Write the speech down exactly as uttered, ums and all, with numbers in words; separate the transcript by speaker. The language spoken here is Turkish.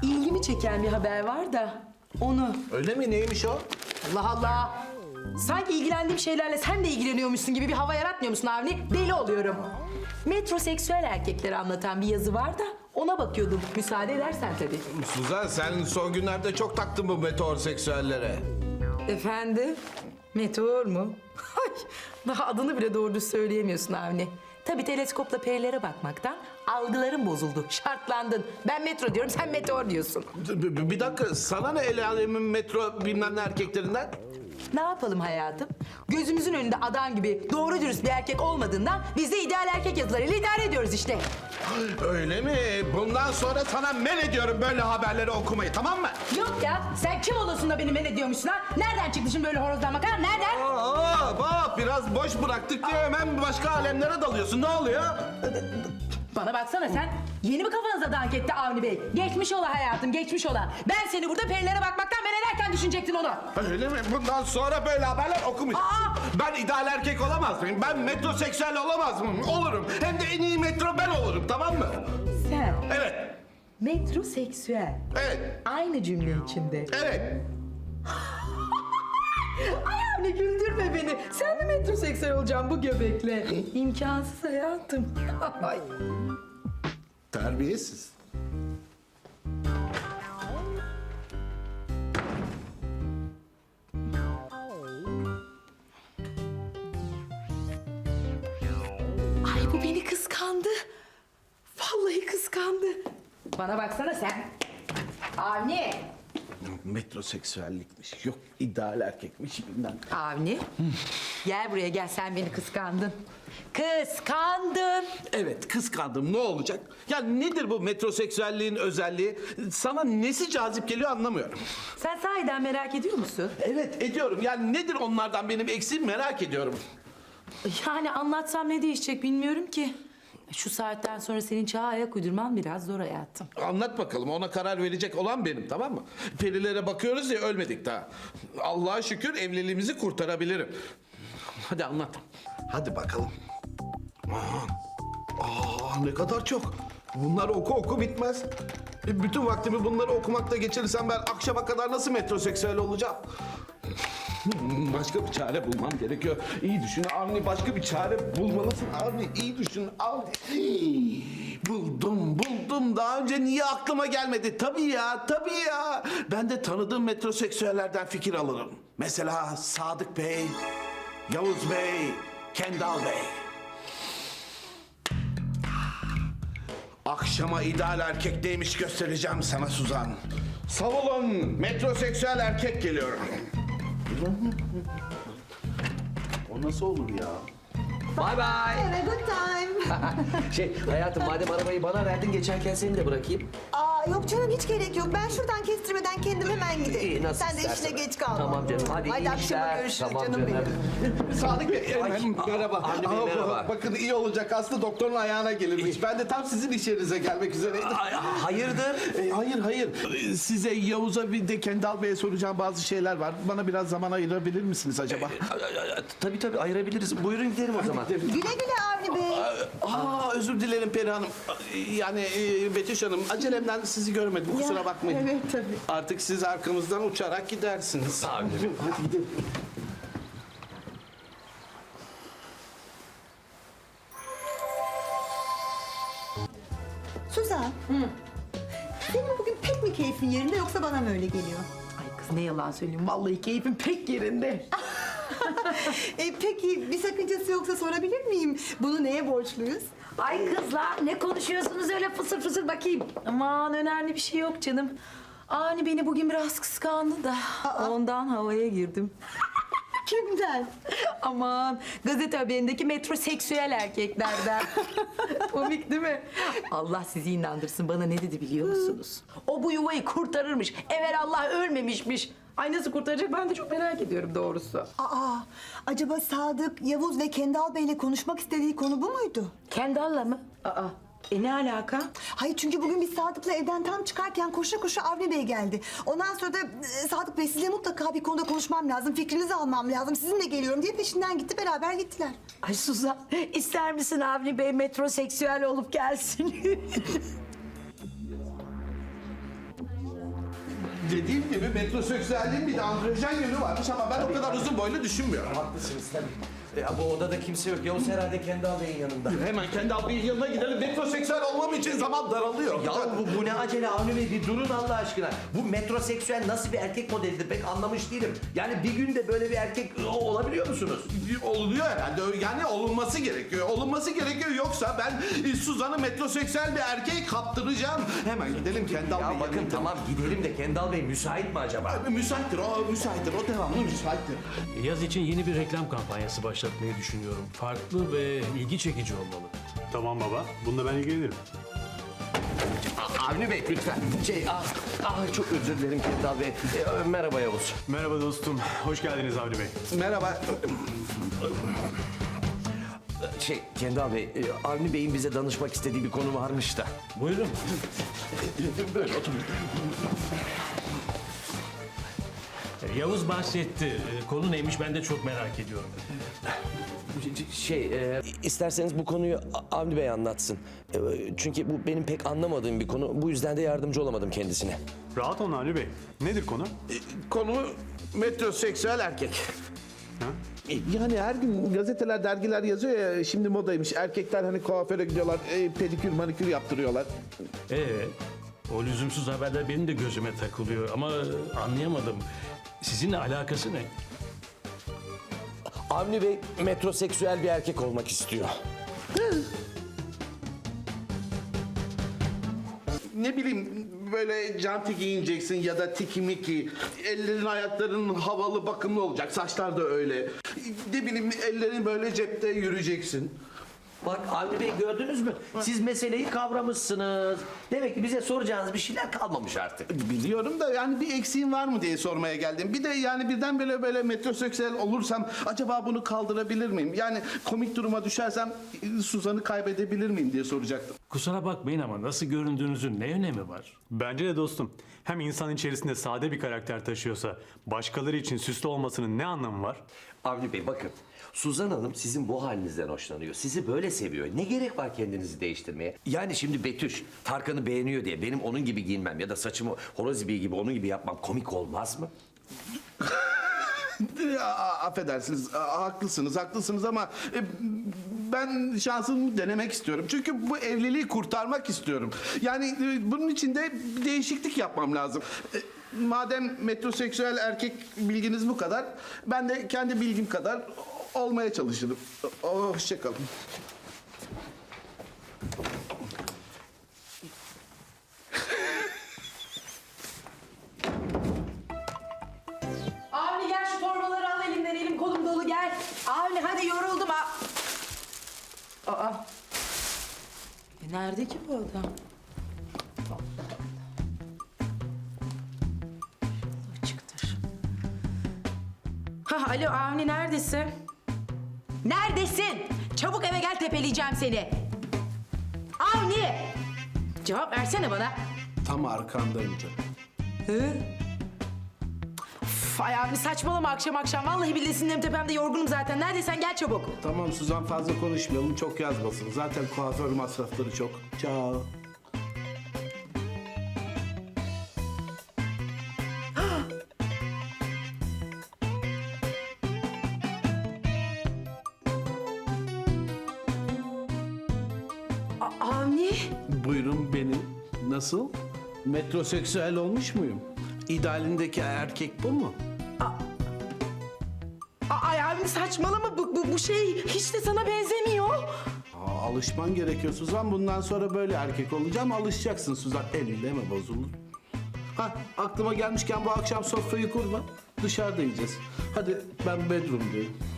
Speaker 1: ilgimi çeken bir haber var da onu.
Speaker 2: Öyle mi? Neymiş o?
Speaker 1: Allah Allah. Sanki ilgilendiğim şeylerle sen de ilgileniyormuşsun gibi bir hava yaratmıyor musun Avni? Deli oluyorum. Metroseksüel erkekleri anlatan bir yazı var da ona bakıyordum. Müsaade edersen tabii.
Speaker 2: Suzan, sen son günlerde çok taktın bu meteorseksüellere.
Speaker 1: Efendim? Meteor mu? Ay, daha adını bile doğru düz söyleyemiyorsun Avni. Tabii teleskopla perilere bakmaktan algıların bozuldu. Şartlandın. Ben metro diyorum, sen meteor diyorsun.
Speaker 2: Bir, bir dakika, sana ne el alemin metro bilmem ne erkeklerinden?
Speaker 1: Ne yapalım hayatım? Gözümüzün önünde adam gibi doğru dürüst bir erkek olmadığından biz de ideal erkek yazılarıyla idare ediyoruz işte.
Speaker 2: Öyle mi? Bundan sonra sana men ediyorum böyle haberleri okumayı, tamam mı?
Speaker 1: Yok ya, sen kim olursun da beni men ediyormuşsun ha? Nereden çıktı şimdi böyle horozlanmak ha? Nereden?
Speaker 2: Aa, bak biraz boş bıraktık diye hemen başka alemlere dalıyorsun. Ne oluyor?
Speaker 1: Bana baksana sen. Yeni mi kafanıza dank etti Avni Bey? Geçmiş ola hayatım, geçmiş ola. Ben seni burada perilere bakmaktan men ederken düşünecektin onu.
Speaker 2: Öyle mi? Bundan sonra böyle haberler okumayacaksın.
Speaker 1: Aa!
Speaker 2: Ben ideal erkek olamaz mıyım? Ben metroseksüel olamaz mıyım? Olurum. Hem de en iyi metro ben olurum, tamam mı?
Speaker 1: Sen
Speaker 2: Evet,
Speaker 1: metroseksüel.
Speaker 2: evet,
Speaker 1: Aynı cümle içinde.
Speaker 2: evet.
Speaker 1: Ay Avni güldürme beni. Sen mi metroseksüel olacaksın bu göbekle? İmkansız hayatım. Ay.
Speaker 2: Terbiyesiz.
Speaker 1: Ay bu beni kıskandı. Vallahi kıskandı. Bana baksana sen. Avni.
Speaker 2: Metroseksüellikmiş, yok ideal erkekmiş bilmem.
Speaker 1: Avni. Gel buraya gel, sen beni kıskandın. Kıskandın.
Speaker 2: Evet, kıskandım, ne olacak? Ya nedir bu metroseksüelliğin özelliği? Sana nesi cazip geliyor anlamıyorum.
Speaker 1: Sen sahiden merak ediyor musun?
Speaker 2: Evet, ediyorum. Yani nedir onlardan benim eksiğim merak ediyorum.
Speaker 1: Yani anlatsam ne değişecek bilmiyorum ki. Şu saatten sonra senin çağa ayak uydurman biraz zor hayatım.
Speaker 2: Anlat bakalım, ona karar verecek olan benim, tamam mı? Perilere bakıyoruz ya, ölmedik daha. Allah'a şükür evliliğimizi kurtarabilirim. Hadi anlat. Hadi bakalım. Aman. Aa, ne kadar çok. Bunlar oku oku bitmez. E, bütün vaktimi bunları okumakla geçirirsem ben akşama kadar nasıl metroseksüel olacağım? Başka bir çare bulmam gerekiyor. İyi düşün Avni, başka bir çare bulmalısın Avni. İyi düşün Avni. Buldum, buldum. Daha önce niye aklıma gelmedi? Tabii ya, tabii ya. Ben de tanıdığım metroseksüellerden fikir alırım. Mesela Sadık Bey, Yavuz Bey, Kendal Bey. Akşama ideal erkek neymiş göstereceğim sana Suzan. Savulun, metroseksüel erkek geliyor. O nasıl olur ya?
Speaker 3: Bye bye.
Speaker 4: Have a good time.
Speaker 3: Şey hayatım, madem arabayı bana verdin, geçerken seni de bırakayım.
Speaker 4: Aa, yok canım hiç gerek yok. Ben şuradan kestirmeden kendim hemen giderim.
Speaker 3: İyi, nasıl
Speaker 4: Sen de
Speaker 3: istersen.
Speaker 4: işine geç kalma.
Speaker 3: Tamam canım, hadi iyi
Speaker 4: akşama
Speaker 3: işler.
Speaker 4: görüşürüz
Speaker 3: Tamam
Speaker 4: canım,
Speaker 3: canım.
Speaker 4: benim.
Speaker 2: Sadık Bey,
Speaker 3: Ay,
Speaker 2: merhaba.
Speaker 3: Avni Bey,
Speaker 2: Ama
Speaker 3: merhaba.
Speaker 2: Bakın iyi olacak, aslında doktorun ayağına gelirmiş. Ben de tam sizin iş yerinize gelmek üzereydim.
Speaker 3: Ay, hayırdır?
Speaker 2: E, hayır hayır. E, Size Yavuz'a bir de Kendal Bey'e soracağım bazı şeyler var. Bana biraz zaman ayırabilir misiniz acaba?
Speaker 3: Tabii tabii ayırabiliriz. Buyurun gidelim o zaman.
Speaker 4: Güle güle Avni Bey.
Speaker 2: Aa, özür dilerim Peri Hanım. Yani e, Betüş Hanım, acelemden sizi görmedim, kusura bakmayın.
Speaker 4: evet, tabii.
Speaker 2: Artık siz arkamızdan uçarak gidersiniz.
Speaker 3: Abi.
Speaker 2: Hadi gidelim.
Speaker 4: Suzan. Senin bugün pek mi keyfin yerinde yoksa bana mı öyle geliyor?
Speaker 1: Ay kız ne yalan söyleyeyim. Vallahi keyfim pek yerinde.
Speaker 4: E, peki bir sakıncası yoksa sorabilir miyim? Bunu neye borçluyuz?
Speaker 1: Ay kızlar ne konuşuyorsunuz öyle fısır fısır bakayım. Aman önemli bir şey yok canım. Ani beni bugün biraz kıskandı da ondan havaya girdim.
Speaker 4: Kimden?
Speaker 1: Aman gazete haberindeki metroseksüel erkeklerden. Komik değil mi? Allah sizi inandırsın, bana ne dedi biliyor musunuz? O bu yuvayı kurtarırmış. Evelallah ölmemişmiş. Ay nasıl kurtaracak ben de çok merak ediyorum doğrusu.
Speaker 4: Aa, acaba Sadık, Yavuz ve Kendal Bey'le konuşmak istediği konu bu muydu?
Speaker 1: Kendall'la mı? Aa, e ne alaka?
Speaker 4: Hayır, çünkü bugün biz Sadık'la evden tam çıkarken koşa koşa Avni Bey geldi. Ondan sonra da e, Sadık Bey sizinle mutlaka bir konuda konuşmam lazım, fikrinizi almam lazım, sizinle geliyorum diye peşinden gitti, beraber gittiler.
Speaker 1: Ay Suzan, ister misin Avni Bey metroseksüel olup gelsin?
Speaker 2: Dediğim gibi metroseksüelliğin bir de androjen yönü varmış ama ben o kadar uzun boylu düşünmüyorum.
Speaker 3: Haklısınız tabii. E, bu odada kimse yok. Yavuz herhalde Kendal Bey'in yanında.
Speaker 2: Hemen kendi abinin yanına gidelim. Metroseksüel olmam için zaman daralıyor.
Speaker 3: Ya bu, bu ne acele Avni Bey, bir durun Allah aşkına. Bu metroseksüel nasıl bir erkek modelidir pek anlamış değilim. Yani bir günde böyle bir erkek o- olabiliyor musunuz?
Speaker 2: Oluyor herhalde. Yani olunması gerekiyor. Olunması gerekiyor. Yoksa ben e, Suzan'ı metroseksüel bir erkeğe kaptıracağım. Hemen gidelim kendi
Speaker 3: Ya
Speaker 2: abinin
Speaker 3: bakın
Speaker 2: yanına.
Speaker 3: tamam gidelim de Kendal Bey müsait mi acaba?
Speaker 2: Müsaittir o, müsaittir. O devamlı müsaittir.
Speaker 5: Yaz için yeni bir reklam kampanyası başlatmayı düşünüyorum. Farklı ve ilgi çekici olmalı.
Speaker 6: Tamam baba, bununla ben ilgilenirim.
Speaker 3: Avni Bey lütfen. Şey, ah, ah çok özür dilerim Kendal Bey. E, merhaba Yavuz.
Speaker 6: Merhaba dostum, hoş geldiniz Avni Bey.
Speaker 2: Merhaba.
Speaker 3: Şey Kendal Bey, e, Avni Bey'in bize danışmak istediği bir konu varmış da.
Speaker 5: Buyurun.
Speaker 3: Böyle oturun.
Speaker 5: Yavuz bahsetti. Ee, Konu neymiş ben de çok merak ediyorum.
Speaker 3: Şey, e, isterseniz bu konuyu A- Avni Bey anlatsın. E, çünkü bu benim pek anlamadığım bir konu. Bu yüzden de yardımcı olamadım kendisine.
Speaker 6: Rahat olun Avni Bey. Nedir konu?
Speaker 2: Konu metroseksüel erkek.
Speaker 6: Ha?
Speaker 2: E, Yani her gün gazeteler, dergiler yazıyor ya, şimdi modaymış. Erkekler hani kuaföre gidiyorlar, e, pedikür, manikür yaptırıyorlar.
Speaker 5: Ee, o lüzumsuz haberler benim de gözüme takılıyor ama anlayamadım. Sizinle alakası ne?
Speaker 3: Avni Bey metroseksüel bir erkek olmak istiyor.
Speaker 2: Ne bileyim, böyle canti giyineceksin ya da tiki miki. Ellerin, ayakların havalı, bakımlı olacak. Saçlar da öyle. Ne bileyim, ellerin böyle cepte yürüyeceksin.
Speaker 3: Bak Avni Bey gördünüz mü? Siz meseleyi kavramışsınız. Demek ki bize soracağınız bir şeyler kalmamış artık.
Speaker 2: Biliyorum da yani bir eksiğin var mı diye sormaya geldim. Bir de yani birden böyle böyle metroseksüel olursam acaba bunu kaldırabilir miyim? Yani komik duruma düşersem e, Suzan'ı kaybedebilir miyim diye soracaktım.
Speaker 5: Kusura bakmayın ama nasıl göründüğünüzün ne önemi var?
Speaker 6: Bence de dostum. Hem insan içerisinde sade bir karakter taşıyorsa başkaları için süslü olmasının ne anlamı var?
Speaker 3: Avni Bey bakın. Suzan Hanım sizin bu halinizden hoşlanıyor. Sizi böyle seviyor. Ne gerek var kendinizi değiştirmeye? Yani şimdi Betüş Tarkan'ı beğeniyor diye benim onun gibi giyinmem ya da saçımı horoz ibiği gibi onun gibi yapmam komik olmaz mı?
Speaker 2: A- Affedersiniz, a- haklısınız, haklısınız ama e, ben şansımı denemek istiyorum. Çünkü bu evliliği kurtarmak istiyorum. Yani e, bunun için de bir değişiklik yapmam lazım. E, Madem metroseksüel erkek bilginiz bu kadar, ben de kendi bilgim kadar olmaya çalışırım. O- Hoşça kalın.
Speaker 1: Avni gel şu torbaları al elimden, elim kolum dolu gel. Avni hadi yoruldum ha. Aa. E nerede ki bu adam? Açıktır. Ha alo Avni neredesin? Neredesin? Çabuk eve gel tepeleyeceğim seni. Avni! Cevap versene bana.
Speaker 2: Tam arkandayım canım.
Speaker 1: Hı? Üf, ay Avni saçmalama akşam akşam. Vallahi billahi sinirim tepemde, yorgunum zaten. Neredeysen gel çabuk.
Speaker 2: Tamam Suzan, fazla konuşmayalım, çok yazmasın. Zaten kuaför masrafları çok. Ciao.
Speaker 1: A- Avni?
Speaker 2: Buyurun benim. Nasıl? Metroseksüel olmuş muyum? İdealindeki erkek bu mu?
Speaker 1: A- Ay Avni saçmalama. Bu, bu, bu şey hiç de sana benzemiyor.
Speaker 2: Aa, alışman gerekiyor Suzan. Bundan sonra böyle erkek olacağım. Alışacaksın Suzan. Elle mi bozulur? Ha, aklıma gelmişken bu akşam sofrayı kurma. Dışarıda yiyeceğiz. Hadi ben bedroom'dayım.